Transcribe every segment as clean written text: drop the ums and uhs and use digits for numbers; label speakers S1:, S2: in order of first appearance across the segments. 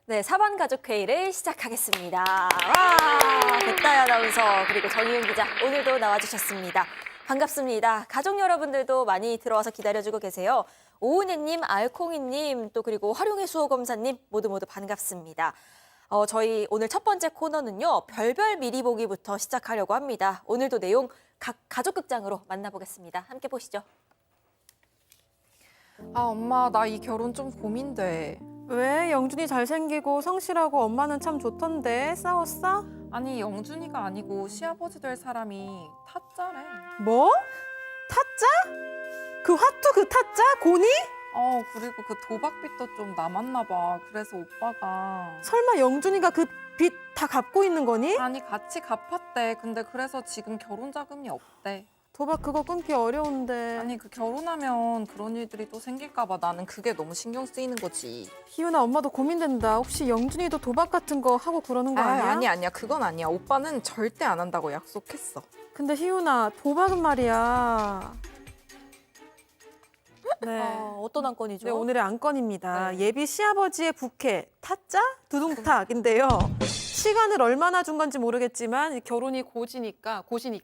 S1: 네, 사반가족회의를 시작하겠습니다. 와, 백다희 아나운서 그리고 정희윤 기자 오늘도 나와주셨습니다. 반갑습니다. 가족 여러분들도 많이 들어와서 기다려주고 계세요. 오은혜님, 알콩이님, 또 그리고 활용의 수호검사님 모두 반갑습니다. 저희 오늘 첫 번째 코너는요. 별별 미리 보기부터 시작하려고 합니다. 오늘도 내용 각 가족극장으로 만나보겠습니다. 함께 보시죠.
S2: 아, 엄마, 나 이 결혼 좀 고민돼.
S3: 왜? 영준이 잘생기고 성실하고 엄마는 참 좋던데 싸웠어?
S2: 아니, 영준이가 아니고 시아버지 될 사람이 타짜래.
S3: 뭐? 타짜? 그 화투 그 타짜? 고니?
S2: 그리고 그 도박빚도 좀 남았나 봐. 그래서 오빠가.
S3: 설마 영준이가 그 빚 다 갚고 있는 거니?
S2: 아니, 같이 갚았대. 근데 그래서 지금 결혼 자금이 없대.
S3: 도박 그거 끊기 어려운데.
S2: 아니, 그 결혼하면 그런 일들이 또 생길까 봐 나는 그게 너무 신경 쓰이는 거지.
S3: 희윤아 엄마도 고민된다. 혹시 영준이도 도박 같은 거 하고 그러는 거 아니야?
S2: 아니야. 그건 아니야. 오빠는 절대 안 한다고 약속했어.
S3: 근데 희윤아 도박은 말이야. 네.
S1: 어떤 안건이죠?
S3: 네, 오늘의 안건입니다.
S1: 네.
S3: 예비 시아버지의 부캐, 타짜? 두둥탁인데요. 시간을 얼마나 준 건지 모르겠지만 결혼이 고시니까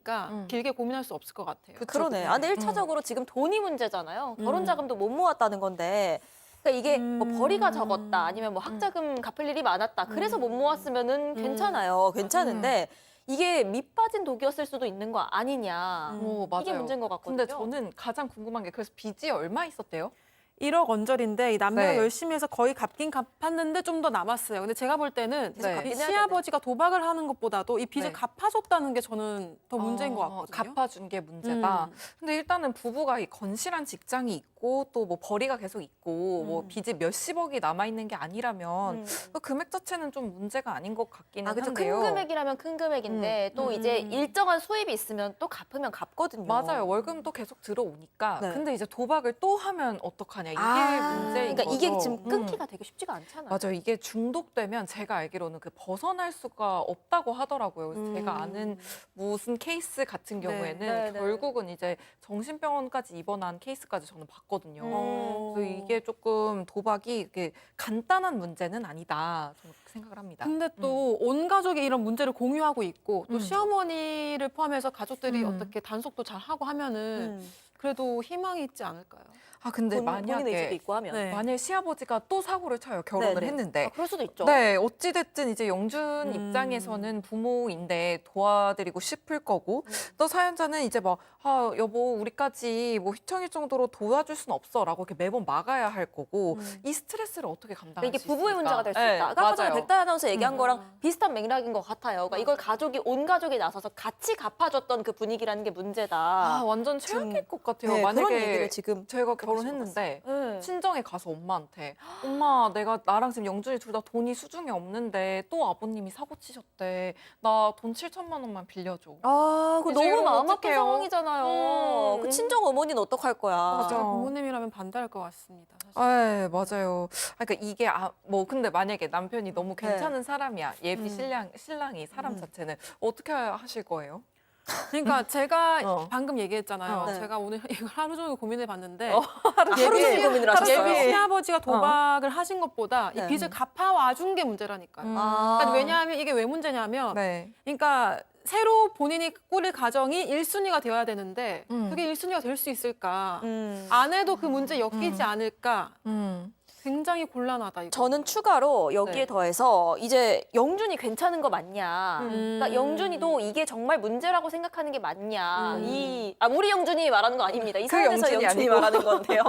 S3: 길게 고민할 수 없을 것 같아요.
S1: 그러네. 아, 근데 1차적으로 지금 돈이 문제잖아요. 결혼 자금도 못 모았다는 건데. 그러니까 이게 뭐 벌이가 적었다, 아니면 뭐 학자금 갚을 일이 많았다. 그래서 못 모았으면은 괜찮아요. 괜찮은데 이게 밑 빠진 독이었을 수도 있는 거 아니냐.
S2: 맞아요.
S1: 이게 문제인 것 같거든요.
S2: 근데 저는 가장 궁금한 게 그래서 빚이 얼마 있었대요?
S3: 1억 원절인데 이 남매가
S2: 네.
S3: 열심히 해서 거의 갚긴 갚았는데 좀 더 남았어요. 근데 제가 볼 때는
S2: 네.
S3: 이
S1: 갚긴 해야
S3: 시아버지가 도박을 하는 것보다도 이 빚을
S2: 네.
S3: 갚아줬다는 게 저는 더 문제인 것 같거든요.
S2: 갚아준 게 문제다.
S3: 음.
S2: 근데 일단은 부부가 이 건실한 직장이 있고 또 뭐 벌이가 계속 있고 뭐 빚이 몇십억이 남아 있는 게 아니라면 그 금액 자체는 좀 문제가 아닌 것 같기는
S1: 그렇죠.
S2: 한데요.
S1: 큰 금액이라면 큰 금액인데 또 이제 일정한 수입이 있으면 또 갚으면 갚거든요.
S2: 맞아요. 월금도 계속 들어오니까.
S1: 네.
S2: 근데 이제 도박을 또 하면 어떡하냐. 이게 문제인
S1: 그러니까 이게
S2: 거죠.
S1: 지금 끊기가 되게 쉽지가 않잖아요.
S2: 맞아요. 이게 중독되면 제가 알기로는 그 벗어날 수가 없다고 하더라고요. 그래서 제가 아는 무슨 케이스 같은 경우에는
S1: 네, 네.
S2: 결국은 이제 정신병원까지 입원한 케이스까지 저는 봤거든요. 그래서
S1: 음.
S2: 이게 조금 도박이 이게 간단한 문제는 아니다. 저는 그렇게 생각을 합니다.
S3: 근데 또 온 가족이 이런 문제를 공유하고 있고 또
S2: 음.
S3: 시어머니를 포함해서 가족들이
S2: 음.
S3: 어떻게 단속도 잘 하고 하면은 그래도 희망이 있지 않을까요?
S2: 아 근데
S1: 본인의 의지도
S2: 만약에
S1: 있고 하면.
S3: 네.
S2: 만약에 시아버지가 또 사고를 쳐요. 결혼을
S1: 네네.
S2: 했는데.
S1: 그럴 수도 있죠.
S2: 네, 어찌됐든 이제 영준 입장에서는 부모인데 도와드리고 싶을 거고 또 사연자는 이제 막 여보 우리까지 뭐 휘청일 정도로 도와줄 순 없어라고 이렇게 매번 막아야 할 거고 이 스트레스를 어떻게 감당할
S1: 그러니까 이게
S2: 수
S1: 부부의
S2: 있을까?
S1: 문제가 될 수
S2: 네,
S1: 있다. 아까 전에
S2: 맞아요.
S1: 백다희 아나운서 얘기한 거랑 비슷한 맥락인 것 같아요. 그러니까 이걸 온 가족이 나서서 같이 갚아줬던 그 분위기라는 게 문제다.
S2: 완전 최악일 것 같아요.
S1: 네, 그런
S2: 만약에
S1: 얘기를 지금
S2: 제가 결혼했는데
S1: 네.
S2: 친정에 가서 엄마한테 엄마 내가 나랑 지금 영준이 둘 다 돈이 수중에 없는데 또 아버님이 사고 치셨대. 나 돈 7천만 원만 빌려줘.
S1: 그거
S2: 이제
S1: 너무
S2: 이러면
S1: 마음 아픈
S2: 어떡해요?
S1: 상황이잖아요. 그 친정 어머니는 어떡할 거야.
S2: 맞아.
S3: 제가 부모님이라면 반대할 것 같습니다. 사실.
S2: 네, 맞아요. 그러니까 이게 뭐 근데 만약에 남편이 너무 괜찮은 사람이야. 예비 신랑이 사람 자체는 어떻게 하실 거예요?
S3: 그러니까 제가
S2: 어.
S3: 방금 얘기했잖아요.
S1: 네.
S3: 제가 오늘 이걸 하루 종일 고민해 봤는데
S1: 하루 종일 고민을 하셨어요.
S3: 예비 시아버지가 도박을 하신 것보다
S1: 네.
S3: 이 빚을 갚아와 준 게 문제라니까요.
S1: 아.
S3: 그러니까 왜냐하면 이게 왜 문제냐면
S2: 네.
S3: 그러니까 새로 본인이 꾸릴 가정이 1순위가 되어야 되는데
S2: 음.
S3: 그게 1순위가 될 수 있을까?
S1: 음.
S3: 아내도 그 문제 엮이지 않을까?
S2: 음.
S3: 굉장히 곤란하다. 이거.
S1: 저는 추가로 여기에
S3: 네.
S1: 더해서 이제 영준이 괜찮은 거 맞냐. 그러니까 영준이도 이게 정말 문제라고 생각하는 게 맞냐. 우리 영준이 말하는 거 아닙니다. 이
S2: 그
S1: 사연에서
S2: 영준이
S1: 영준이
S2: 아니고.
S1: 말하는 건데요.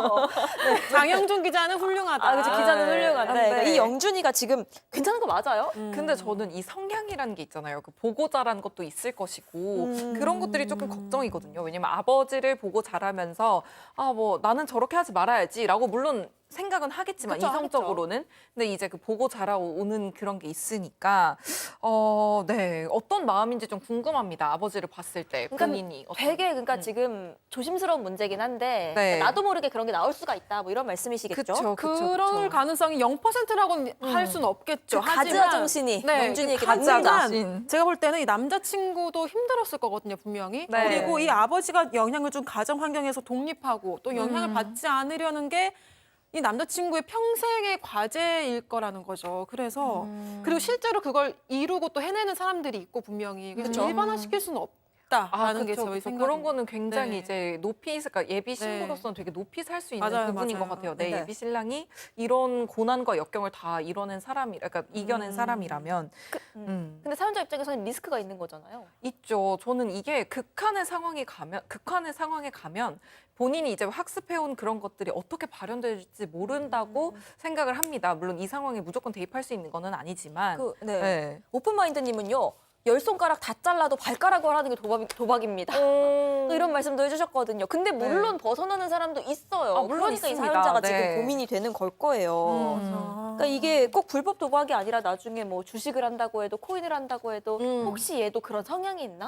S3: 장영준 기자는 훌륭하다.
S1: 그렇죠. 기자는 훌륭한데
S2: 네.
S1: 그러니까 이 영준이가 지금 괜찮은 거 맞아요?
S2: 근데 저는 이 성향이라는 게 있잖아요. 그 보고 자란 것도 있을 것이고 그런 것들이 조금 걱정이거든요. 왜냐면 아버지를 보고 자라면서 뭐 나는 저렇게 하지 말아야지라고 물론 생각은 하겠지만
S1: 그쵸,
S2: 이성적으로는 근데 이제 그 보고 자라오는 그런 게 있으니까 네 어떤 마음인지 좀 궁금합니다. 아버지를 봤을 때
S1: 그러니까
S2: 본인이 어떤-
S1: 되게 그러니까 지금 조심스러운 문제긴 한데
S2: 네.
S1: 나도 모르게 그런 게 나올 수가 있다. 뭐 이런 말씀이시겠죠?
S2: 그쵸,
S3: 그럴 가능성이 0%라고는 할 수는 없겠죠.
S1: 그 가즈아 정신이 영준이에게
S2: 가즈아
S1: 남는다.
S2: 정신.
S3: 제가 볼 때는 이 남자친구도 힘들었을 거거든요, 분명히.
S2: 네.
S3: 그리고 이 아버지가 영향을 준 가정 환경에서 독립하고 또 영향을 받지 않으려는 게 이 남자친구의 평생의 과제일 거라는 거죠. 그래서 그리고 실제로 그걸 이루고 또 해내는 사람들이 있고 분명히 그래서
S1: 그쵸.
S3: 일반화시킬 수는 없다라는 게
S2: 그쵸,
S3: 저희
S2: 그쵸.
S3: 생각입니다.
S2: 그런 거는 굉장히
S3: 네.
S2: 이제 높이, 그러니까 예비
S3: 네.
S2: 신부로서는 되게 높이 살 수 있는
S3: 맞아요,
S2: 부분인
S3: 맞아요.
S2: 것 같아요. 내
S1: 네.
S2: 예비 신랑이 이런 고난과 역경을 다 이뤄낸 사람이, 그러니까 이겨낸 사람이라면
S1: 근데 사연자 입장에서는 리스크가 있는 거잖아요.
S2: 있죠. 저는 이게 극한의 상황에 가면 본인이 이제 학습해온 그런 것들이 어떻게 발현될지 모른다고 생각을 합니다. 물론 이 상황에 무조건 대입할 수 있는 거는 아니지만.
S1: 네.
S2: 네.
S1: 오픈마인드님은요. 10손가락 다 잘라도 발가락을 하는 게 도박입니다. 또 이런 말씀도 해주셨거든요. 근데 물론 벗어나는 사람도 있어요.
S2: 아, 물론
S1: 그러니까 이
S2: 있습니다.
S1: 사연자가
S2: 네.
S1: 지금 고민이 되는 걸 거예요. 그러니까 이게 꼭 불법 도박이 아니라 나중에 뭐 주식을 한다고 해도 코인을 한다고 해도 혹시 얘도 그런 성향이 있나?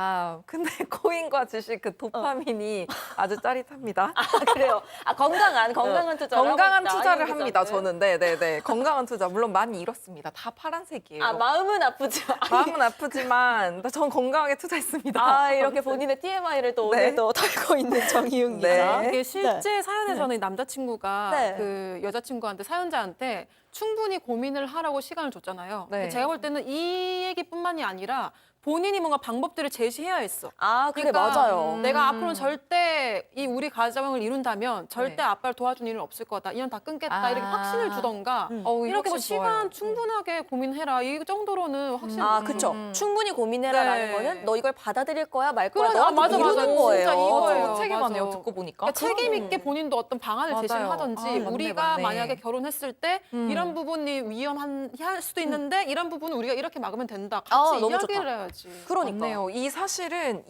S2: 근데 코인과 주식 그 도파민이 아주 짜릿합니다.
S1: 그래요. 건강한 투자를
S2: 건강한
S1: 하고 있다,
S2: 투자를
S1: 이
S2: 합니다.
S1: 기자는.
S2: 저는 네네네 건강한 투자 물론 많이 잃었습니다. 다 파란색이에요.
S1: 마음은 아프지.
S2: 마음은 아프지만 전 건강하게 투자했습니다.
S1: 이렇게 본인의 TMI를 또
S2: 네.
S1: 오늘도 털고 있는 정희윤
S2: 네.
S1: 기자.
S3: 이게 실제 사연에서는 이 남자친구가
S1: 네.
S3: 그 여자친구한테 사연자한테 충분히 고민을 하라고 시간을 줬잖아요.
S2: 네.
S3: 근데 제가 볼 때는 이 얘기뿐만이 아니라 본인이 뭔가 방법들을 제시해야 했어.
S1: 그게
S3: 그러니까
S1: 맞아요.
S3: 내가 앞으로는 절대 이 우리 가정을 이룬다면 절대
S2: 네.
S3: 아빠를 도와준 일은 없을 거다. 인연 다 끊겠다. 이렇게 확신을 주던가
S2: 이렇게
S3: 이렇게 뭐 시간 충분하게 고민해라. 이 정도로는 확신.
S1: 그쵸. 충분히 고민해라라는
S3: 네.
S1: 거는 너 이걸 받아들일 거야 말 거야.
S3: 그래,
S1: 너한테
S3: 맞아,
S1: 이루는
S3: 맞아.
S1: 거예요.
S3: 진짜 이거예요.
S2: 무책임하네요.
S3: 맞아.
S2: 듣고 보니까.
S3: 그러니까 책임 있게 본인도 어떤 방안을
S2: 맞아요.
S3: 제시를 하든지
S2: 맞네,
S3: 우리가
S2: 맞네.
S3: 만약에 결혼했을 때 이런 부분이 위험할 수도 있는데 이런 부분은 우리가 이렇게 막으면 된다. 같이
S1: 너무
S3: 이야기를
S1: 좋다.
S3: 해야지.
S1: 그러니까.
S2: 맞네요. 이 사실은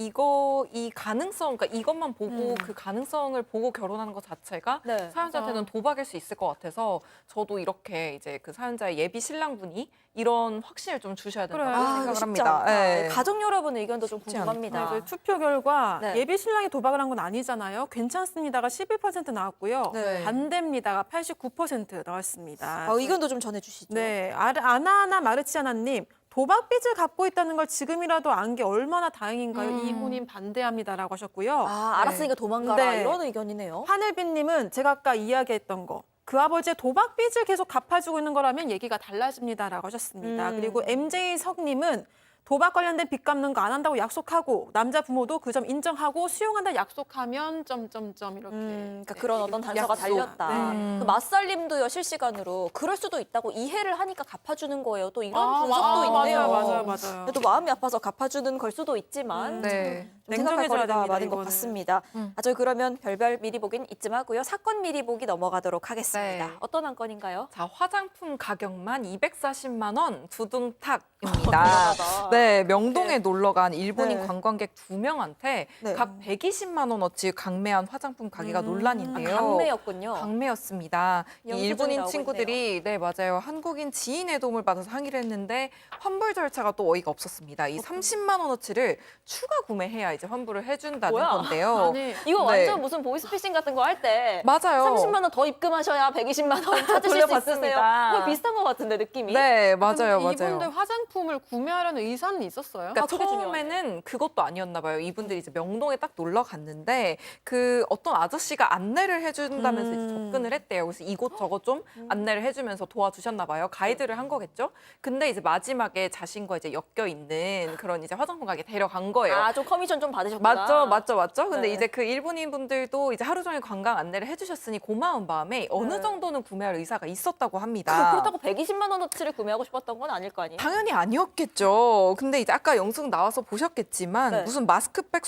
S2: 이 가능성, 그러니까 이것만 보고 그 가능성을 보고 결혼하는 것 자체가
S1: 네.
S2: 사연자한테는 도박일 수 있을 것 같아서 저도 이렇게 이제 그 사연자의 예비 신랑분이 이런 확신을 좀 주셔야 된다고
S3: 그래요.
S2: 생각을
S1: 쉽지
S2: 합니다.
S1: 않다.
S2: 네.
S1: 가족 여러분의 의견도 좀
S2: 쉽지
S1: 궁금합니다.
S3: 저희 투표 결과
S1: 네.
S3: 예비 신랑이 도박을 한 건 아니잖아요. 괜찮습니다가 11% 나왔고요.
S1: 네.
S3: 반대입니다가 89% 나왔습니다.
S1: 의견도 좀 전해주시죠.
S3: 네, 아나하나 마르치아나님. 도박 빚을 갖고 있다는 걸 지금이라도 안 게 얼마나 다행인가요? 이혼인 반대합니다라고 하셨고요.
S1: 알았으니까 도망가라
S3: 네.
S1: 이런 의견이네요.
S3: 하늘빛님은 제가 아까 이야기했던 거. 그 아버지의 도박 빚을 계속 갚아주고 있는 거라면 얘기가 달라집니다라고 하셨습니다. 그리고 MJ 석님은 도박 관련된 빚 갚는 거 안 한다고 약속하고 남자 부모도 그 점 인정하고 수용한다 약속하면 점점점 이렇게.
S1: 그러니까 그런 어떤 단서가
S3: 약속.
S1: 달렸다.
S3: 네.
S1: 그 맞살님도요 실시간으로 그럴 수도 있다고 이해를 하니까 갚아주는 거예요. 또 이런 분석도
S3: 맞아요,
S1: 있네요.
S3: 맞아요.
S1: 또 마음이 아파서 갚아주는 걸 수도 있지만
S2: 네.
S1: 좀 생각할
S3: 냉정해져야
S1: 거리가
S3: 됩니다,
S1: 많은 것
S3: 이거는.
S1: 같습니다. 저희 그러면 별별 미리 보긴 이쯤 하고요. 사건 미리 보기 넘어가도록 하겠습니다.
S2: 네.
S1: 어떤 한 건인가요?
S2: 자, 화장품 가격만 240만 원 두둥탁입니다.
S1: 대단하다.
S2: 네, 명동에 놀러 간 일본인
S1: 네.
S2: 관광객 2명한테
S1: 네.
S2: 각 120만 원어치 강매한 화장품 가게가 논란인데요.
S1: 강매였군요.
S2: 강매였습니다. 이
S1: 영수증이
S2: 일본인
S1: 나오고
S2: 친구들이 네 맞아요 한국인 지인의 도움을 받아서 항의를 했는데 환불 절차가 또 어이가 없었습니다. 이 30만 원어치를 추가 구매해야 이제 환불을 해준다는
S1: 뭐야?
S2: 건데요.
S3: 아니,
S1: 이거
S2: 네.
S1: 완전 무슨 보이스피싱 같은 거 할 때
S2: 맞아요.
S1: 30만 원 더 입금하셔야 120만 원 찾으실 수
S2: 돌려받습니다.
S1: 있으세요. 그거 비슷한 것 같은데 느낌이.
S2: 네 맞아요
S3: 근데 이분들
S2: 맞아요.
S3: 화장품을 구매하려는 의사는 있었어요?
S2: 그러니까
S1: 그게
S2: 처음에는 그것도 아니었나 봐요. 이분들이 이제 명동에 딱 놀러 갔는데 그 어떤 아저씨가 안내를 해준다면서 이제 접근을 했대요. 그래서 이곳 저곳 좀 안내를 해주면서 도와주셨나 봐요. 가이드를 한 거겠죠. 근데 이제 마지막에 자신과 이제 엮여 있는 그런 이제 화장품 가게 데려간 거예요.
S1: 좀 커미션 좀 받으셨구나.
S2: 맞죠. 근데
S1: 네.
S2: 이제 그 일본인 분들도 이제 하루 종일 관광 안내를 해주셨으니 고마운 마음에 어느
S1: 네.
S2: 정도는 구매할 의사가 있었다고 합니다.
S1: 그렇다고 120만 원어치를 구매하고 싶었던 건 아닐 거 아니에요?
S2: 당연히 아니었겠죠. 근데 이제 아까 영숙 나와서 보셨겠지만
S1: 네.
S2: 무슨 마스크팩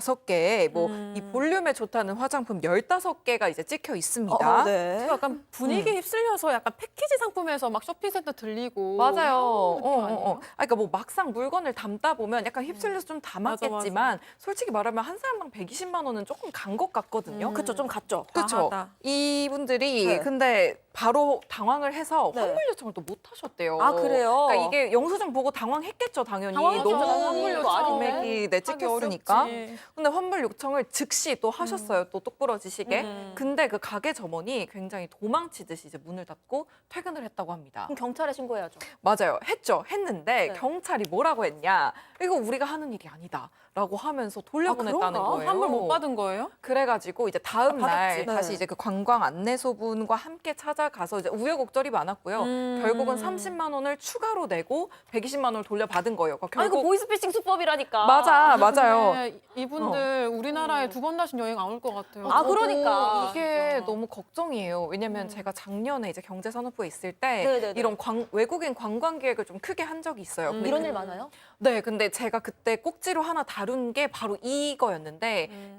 S2: 25개, 뭐 이 볼륨에 좋다는 화장품 15개가 이제 찍혀 있습니다.
S1: 네.
S3: 약간 분위기에 휩쓸려서 약간 패키지 상품에서 막 쇼핑센터 들리고
S2: 맞아요.
S3: 이런 느낌 아니에요?
S2: 그러니까 뭐 막상 물건을 담다 보면 약간 휩쓸려서 좀 담았겠지만 솔직히 말하면 한 사람당 120만 원은 조금 간 것 같거든요.
S1: 그쵸, 좀 갔죠.
S2: 그렇죠.
S3: 과하다.
S2: 이분들이
S1: 네.
S2: 근데 바로 당황을 해서
S1: 네.
S2: 환불 요청을 또 못 하셨대요.
S1: 아, 그래요?
S2: 그러니까 이게 영수증 보고 당황했겠죠, 당연히.
S1: 당황했죠.
S2: 너무
S1: 환불 요청.
S2: 금액이 내
S3: 하기
S2: 찍혔으니까.
S3: 어렵지.
S2: 근데 환불 요청을 즉시 또 하셨어요. 또 똑부러지시게.
S1: 음.
S2: 근데 그 가게 점원이 굉장히 도망치듯이 이제 문을 닫고 퇴근을 했다고 합니다.
S1: 그럼 경찰에 신고해야죠.
S2: 맞아요. 했는데
S1: 네.
S2: 경찰이 뭐라고 했냐. 이거 우리가 하는 일이 아니다. 라고 하면서 돌려보냈다는
S1: 그런가?
S2: 거예요.
S3: 환불 못 받은 거예요?
S2: 그래가지고 이제 다음 날
S1: 받았지.
S2: 다시
S1: 네.
S2: 이제 그 관광 안내소분과 함께 찾아가서 이제 우여곡절이 많았고요. 결국은 30만 원을 추가로 내고 120만 원을 돌려받은 거예요. 그러니까
S1: 아, 이거
S2: 결국
S1: 보이스피싱 수법이라니까.
S2: 맞아요.
S3: 근데 이분들 우리나라에 두 번 다신 여행 안 올 것 같아요.
S1: 아,
S2: 저도
S1: 그러니까.
S2: 이게
S3: 진짜.
S2: 너무 걱정이에요. 왜냐면 제가 작년에 이제 경제산업부에 있을 때
S1: 네네네.
S2: 이런 외국인 관광 계획을 좀 크게 한 적이 있어요. 근데
S1: 이런 일 많아요?
S2: 네, 근데 제가 그때 꼭지로 하나 다룬 게 바로 이거였는데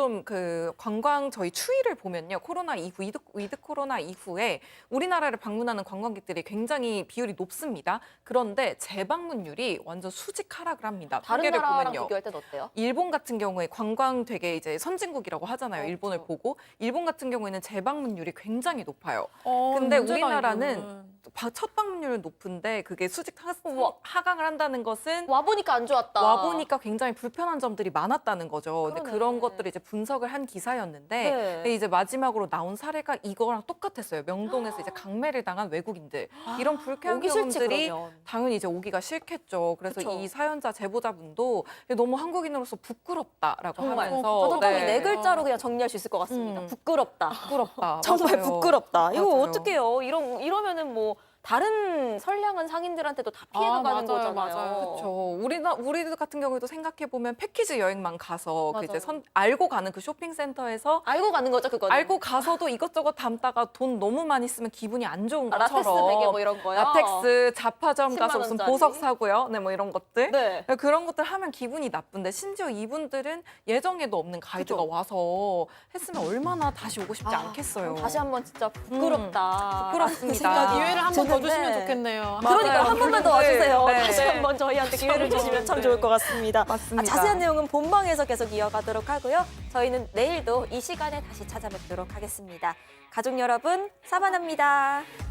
S2: 그 관광 저희 추이를 보면요. 코로나 이후 위드 코로나 이후에 우리나라를 방문하는 관광객들이 굉장히 비율이 높습니다. 그런데 재방문율이 완전 수직 하락을 합니다.
S1: 다른
S2: 통계를
S1: 나라랑
S2: 보면요.
S1: 비교할 땐 어때요?
S2: 일본 같은 경우에 관광 되게 이제 선진국이라고 하잖아요. 일본을
S1: 그렇죠.
S2: 보고 일본 같은 경우에는 재방문율이 굉장히 높아요.
S3: 어,
S2: 근데
S3: 문제다,
S2: 우리나라는
S3: 이거는.
S2: 첫 방문율은 높은데 그게 수직
S1: 우와.
S2: 하강을 한다는 것은
S1: 와보니까 안 좋았다.
S2: 와보니까 굉장히 불편한 점들이 많았다는 거죠. 근데
S1: 그러네.
S2: 그런 것들을 이제 분석을 한 기사였는데
S1: 네.
S2: 근데 이제 마지막으로 나온 사례가 이거랑 똑같았어요. 명동에서 이제 강매를 당한 외국인들 이런 불쾌한
S1: 오기 싫지,
S2: 경험들이
S1: 그러면.
S2: 당연히 이제 오기가 싫겠죠. 그래서
S1: 그쵸.
S2: 이 사연자 제보자분도 너무 한국인으로서 부끄럽다라고
S1: 정말.
S2: 하면서
S1: 저도 딱 이 네
S2: 네.
S1: 글자로 그냥 정리할 수 있을 것 같습니다. 부끄럽다.
S2: 부끄럽다.
S1: 정말
S2: 맞아요.
S1: 부끄럽다. 이거
S2: 맞아요.
S1: 어떡해요. 이러면은 뭐 다른 선량한 상인들한테도 다 피해가
S3: 아,
S1: 가는
S3: 맞아요,
S1: 거잖아요.
S3: 맞아요.
S2: 그렇죠. 우리 같은 경우에도 생각해 보면 패키지 여행만 가서 그 이제
S1: 맞아요.
S2: 알고 가는 그 쇼핑센터에서
S1: 알고 가는 거죠, 그거는.
S2: 알고 가서도 이것저것 담다가 돈 너무 많이 쓰면 기분이 안 좋은
S1: 아,
S2: 것처럼
S1: 라텍스 베개 뭐 이런 거요.
S2: 라텍스 자파점 가서
S1: 10만
S2: 무슨
S1: 원짜리.
S2: 보석 사고요. 네, 뭐 이런 것들.
S1: 네.
S2: 그런 것들 하면 기분이 나쁜데 심지어 이분들은 예정에도 없는 가이드가
S1: 그죠.
S2: 와서 했으면 얼마나 다시 오고 싶지
S1: 아,
S2: 않겠어요.
S1: 그럼 다시 한번 진짜 부끄럽다.
S2: 부끄럽습니다.
S1: 생각이
S3: 기회를 한 번 더
S1: 드는데.
S3: 주시면 좋겠네요.
S1: 그러니까 한 번만 더 와주세요.
S2: 네.
S1: 다시 한번 저희한테 기회를 주시면 참 좋을 것 같습니다.
S2: 맞습니다.
S1: 자세한 내용은 본방에서 계속 이어가도록 하고요. 저희는 내일도 이 시간에 다시 찾아뵙도록 하겠습니다. 가족 여러분, 사반합니다.